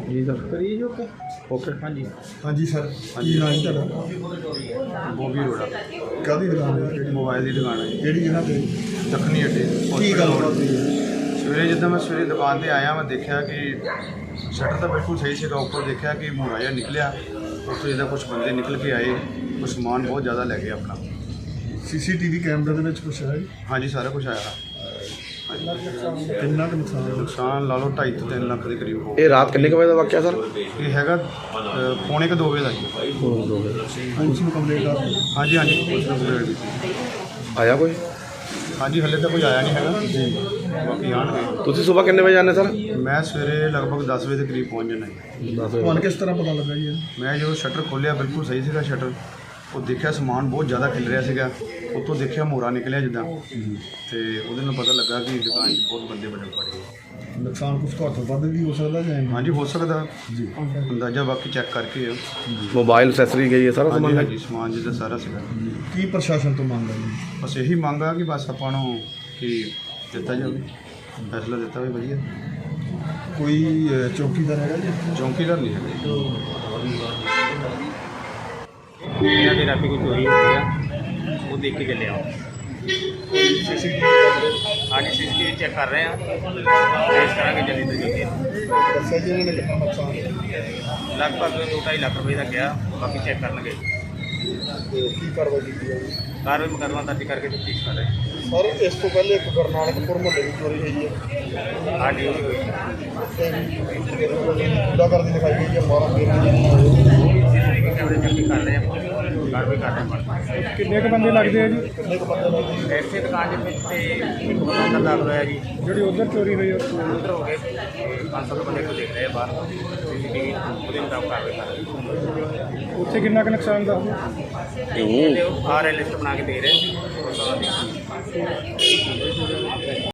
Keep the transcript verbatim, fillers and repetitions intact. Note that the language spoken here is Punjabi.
ਜੀ ਸਰ ਕਰੀਏ ਓਕੇ ਓਕੇ ਹਾਂਜੀ ਹਾਂਜੀ ਸਰ ਕੀ ਨਾਮ ਹੈ ਤੁਹਾਡਾ? ਬੋਬੀ ਰੋੜਾ ਕਾਹਦੀ ਦੁਕਾਨ ਹੈ? ਕਿਹੜੀ ਮੋਬਾਈਲ ਦੀ ਦੁਕਾਨ ਹੈ ਜੀ, ਕਿਹੜੀ ਜਗ੍ਹਾ ਤੇ? ਦੱਖਣੀ ਅੱਡੇ ਕੀ ਗੱਲ ਬਾਤ ਹੋਈ ਹੈ? ਸਵੇਰੇ ਜਿੱਦਾਂ ਮੈਂ ਸਵੇਰੇ ਦੁਕਾਨ ਤੇ ਆਇਆ ਮੈਂ ਦੇਖਿਆ ਕਿ ਸ਼ਟਰ ਤਾਂ ਬਿਲਕੁਲ ਸਹੀ ਸੀਗਾ, ਉੱਪਰ ਦੇਖਿਆ ਕਿ ਮੂਰਾ ਜਿਹਾ ਨਿਕਲਿਆ, ਉੱਥੋਂ ਜਿੱਦਾਂ ਕੁਝ ਬੰਦੇ ਨਿਕਲ ਕੇ ਆਏ, ਕੁਝ ਸਮਾਨ ਬਹੁਤ ਜ਼ਿਆਦਾ ਲੈ ਗਏ ਆਪਣਾ। ਸੀਸੀਟੀਵੀ ਕੈਮਰੇ ਦੇ ਵਿੱਚ ਕੁਛ ਹੈ ਜੀ? ਹਾਂਜੀ ਸਾਰਾ ਕੁਝ ਆਇਆ। ਕਿੰਨਾ ਕੁ ਨੁਕਸਾਨ ਹੋਇਆ? ਨੁਕਸਾਨ ਲਾ ਲਓ ਢਾਈ ਤੋਂ ਤਿੰਨ ਲੱਖ ਦੇ ਕਰੀਬ ਹੋ ਇਹ ਰਾਤ ਕਿੰਨੇ ਕੁ ਵਜੇ ਦਾ ਵਾਕਿਆ ਸਰ? ਇਹ ਹੈਗਾ ਅ, ਪੌਣੇ ਕੁ ਦੋ ਵਜੇ ਦਾ ਜੀ। ਪੁਲਿਸ ਨੂੰ ਕੰਪਲੇਂਟ ਕਰ ਦਿੱਤੀ? ਹਾਂਜੀ ਹਾਂਜੀ ਪੁਲਿਸ ਨੂੰ ਕੰਪਲੇਂਟ ਕੀਤੀ। ਆਇਆ ਕੋਈ? ਹਾਂਜੀ ਹਲੇ ਤਾਂ ਕੋਈ ਆਇਆ ਨਹੀਂ ਹੈਗਾ ਜੀ, ਬਾਕੀ ਆਉਣਗੇ। ਤੁਸੀਂ ਸਵੇਰ ਕਿੰਨੇ ਵਜੇ ਆਉਂਦੇ ਸਰ? ਮੈਂ ਸਵੇਰੇ ਲਗਭਗ ਦਸ ਵਜੇ ਦੇ ਕਰੀਬ ਪਹੁੰਚ ਜਾਣਾ ਜੀ। ਤੁਹਾਨੂੰ ਕਿਸ ਤਰ੍ਹਾਂ ਪਤਾ ਲੱਗਾ ਜੀ ਇਹ? ਮੈਂ ਜਦੋਂ ਸ਼ਟਰ ਖੋਲ੍ਹਿਆ ਬਿਲਕੁਲ ਸਹੀ ਸੀਗਾ ਸ਼ਟਰ, ਉਹ ਦੇਖਿਆ ਸਮਾਨ ਬਹੁਤ ਜ਼ਿਆਦਾ ਖਿਲ ਰਿਹਾ ਸੀਗਾ, ਉੱਤੋਂ ਦੇਖਿਆ ਮੋਰਾ ਨਿਕਲਿਆ ਜਿੱਦਾਂ, ਤੇ ਉਹਦੇ ਨਾਲ ਪਤਾ ਲੱਗਾ ਕਿ ਦੁਕਾਨ 'ਚ ਬਹੁਤ ਬੰਦੇ ਬੜੇ ਪੜ ਗਏ। ਨੁਕਸਾਨ ਕੁਛ ਘੱਟ ਵੱਧ ਵੀ ਹੋ ਸਕਦਾ ਜਾਂ ਇੰਨਾ? ਹਾਂਜੀ ਹੋ ਸਕਦਾ ਜੀ ਅੰਦਾਜ਼ਾ, ਬਾਕੀ ਚੈੱਕ ਕਰਕੇ ਆ। ਮੋਬਾਈਲ ਅਸੈਸਰੀ ਗਈ ਹੈ ਸਾਰਾ ਹਾਂਜੀ ਸਮਾਨ? ਹਾਂਜੀ ਸਮਾਨ ਜਿੱਦਾਂ ਸਾਰਾ ਸੀਗਾ। ਕੀ ਪ੍ਰਸ਼ਾਸਨ ਤੋਂ ਮੰਗ ਹੈ ਜੀ? ਬਸ ਇਹੀ ਮੰਗ ਆ ਕਿ ਬਸ ਆਪਾਂ ਨੂੰ ਕਿ ਦਿੱਤਾ ਜਾਵੇ, ਫੈਸਲਾ ਦਿੱਤਾ ਹੋਵੇ ਵਧੀਆ। ਕੋਈ ਅਹ, ਚੌਕੀਦਾਰ ਹੈਗਾ ਜੀ? ਚੌਂਕੀਦਾਰ ਨਹੀਂ ਹੈਗਾ। ਇਹਨਾਂ ਦੇ ਰਾਤੀ ਕੋਈ ਚੋਰੀ ਹੋਈ ਆ, ਉਹ ਦੇਖ ਕੇ ਚੱਲਿਆ। ਹਾਂਜੀ ਸੀਸੀਟੀਵੀ ਚੈੱਕ ਕਰ ਰਹੇ ਆ, ਇਸ ਕਰਾਂਗੇ ਜਲਦੀ ਤੋਂ ਜਲਦੀ। ਦੱਸਿਆ ਜੀ ਇਹਨਾਂ ਨੇ ਕਿੰਨਾ ਨੁਕਸਾਨ ਹੋਇਆ? ਲਗਭਗ ਦੋ ਢਾਈ ਲੱਖ ਰੁਪਏ ਦਾ ਗਿਆ, ਬਾਕੀ ਚੈੱਕ ਕਰਨਗੇ। ਤੇ ਕੀ ਕਾਰਵਾਈ ਕੀਤੀ ਹੈ? ਕਾਰਵਾਈ ਮੁਕੱਦਮਾ ਦਰਜ ਕਰਕੇ ਤਫਤੀਸ਼ ਕਰ ਰਹੇ ਆ। ਸਰ ਇਸ ਤੋਂ ਪਹਿਲੇ ਇੱਕ ਗੁਰਨਾਨਕਪੁਰ ਮੁਹੱਲੇ ਦੀ ਚੋਰੀ ਹੋਈ ਹੈ, ਹਾਂਜੀ ਉਹ ਵੀ ਹੋਈ। ਕੂੜਾ ਕਰਦੀ ਦਿਖਾਈ ਗਈ ਹੈ, ਮਾਰਾ ਫੇਰ ਸੀਸੀਟੀਵੀ ਕੈਮਰੇ ਚੈੱਕ ਕਰ ਰਹੇ ਆ, ਕਾਰਵਾਈ ਕਰ ਰਹੇ ਆ। ਕਿੰਨੇ ਕੁ ਬੰਦੇ ਲੱਗਦੇ ਆ ਜੀ? ਕਿੰਨੇ ਕੁ ਬੰਦੇ ਲੱਗਦੇ? ਐਸੇ ਦੁਕਾਨ ਦੇ ਵਿੱਚ ਤੇ ਇੱਕ ਬੰਦਾ ਅੰਦਰ ਦਾਖਲ ਹੋਇਆ ਜੀ, ਜਿਹੜੀ ਉਧਰ ਚੋਰੀ ਹੋਈ ਹੈ ਉਧਰ ਹੋ ਗਏ ਪੰਜ ਸੱਤ ਬੰਦੇ ਨੂੰ ਦੇਖ ਰਹੇ ਆ ਬਾਹਰ, ਸੀਸੀਟੀਵੀ ਉਹਦੇ ਮੁਤਾਬਕ ਕਾਰਵਾਈ ਕਰ ਰਹੇ ਆ। ਉੱਥੇ ਕਿੰਨਾ ਕੁ ਨੁਕਸਾਨ ਦਾ? ਤੇ ਉਹ ਆ ਰਹੇ ਲਿਸਟ ਬਣਾ ਕੇ ਦੇ ਰਹੇ